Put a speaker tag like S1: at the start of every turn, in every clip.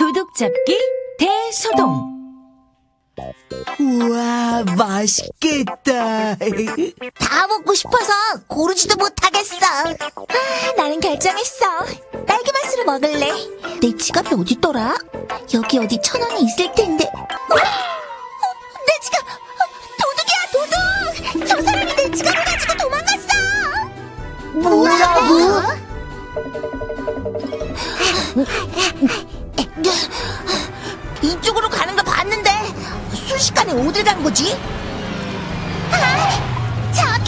S1: 도둑 잡기 대소동.
S2: 우와, 맛있겠다.
S3: 다 먹고 싶어서 고르지도 못하겠어. 나는 결정했어. 딸기 맛으로 먹을래. 내 지갑이 어딨더라? 여기 어디 1,000원이 있을 텐데. 내 지갑! 도둑이야, 도둑! 저 사람이 내 지갑을 가지고 도망갔어! 뭐라고? 이쪽으로 가는 거 봤는데 순식간에 어딜 간 거지? 아, 저기!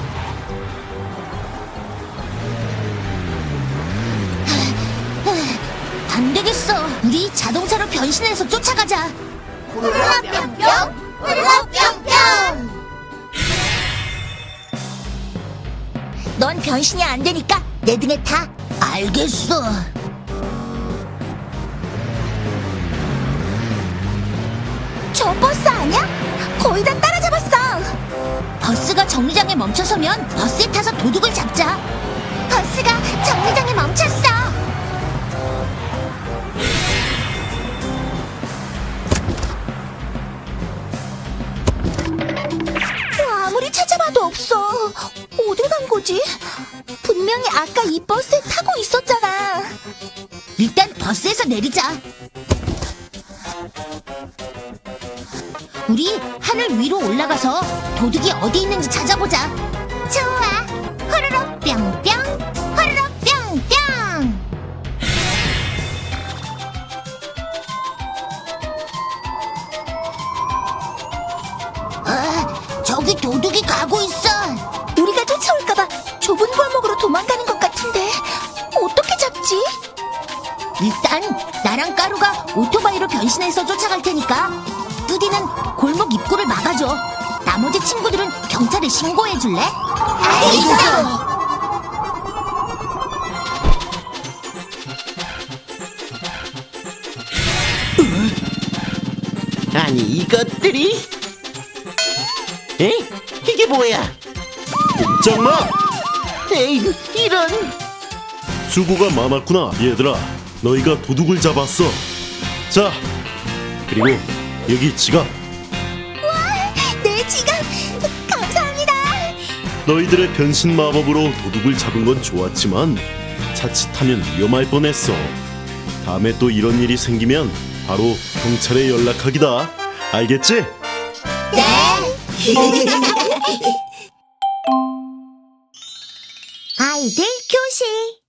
S3: 안 되겠어. 우리 자동차로 변신해서 쫓아가자. 후루룩뿅뿅! 후루룩뿅뿅! 넌 변신이 안 되니까 내 등에 타. 알겠어. 저 버스 아니야? 거의 다 따라잡았어. 버스가 정류장에 멈춰서면 버스에 타서 도둑을 잡자. 버스가 정류장에 멈췄어. 아무리 찾아봐도 없어. 어딜 간 거지? 분명히 아까 이 버스에 타고 있었잖아. 일단 버스에서 내리자. 우리 하늘 위로 올라가서 도둑이 어디 있는지 찾아보자. 좋아. 호로록 뿅뿅, 호로록 뿅뿅. 저기 도둑이 가고 있어. 우리가 쫓아올까봐 좁은 골목으로 도망가는 것 같은데 어떻게 잡지? 일단 나랑 까루가 오토바이로 변신해서 쫓아갈 테니까 뚜디는 골목 입구를 막아줘. 나머지 친구들은 경찰에 신고해줄래? 알겠어.
S4: 아니 이것들이? 에? 이게 뭐야?
S5: 짱마!
S4: 에이 이런.
S5: 수고가 많았구나 얘들아. 너희가 도둑을 잡았어. 자, 그리고 여기 지갑.
S3: 내 지갑 감사합니다.
S5: 너희들의 변신 마법으로 도둑을 잡은 건 좋았지만 자칫하면 위험할 뻔했어. 다음에 또 이런 일이 생기면 바로 경찰에 연락하기다. 알겠지?
S3: 네. 아이들 교실.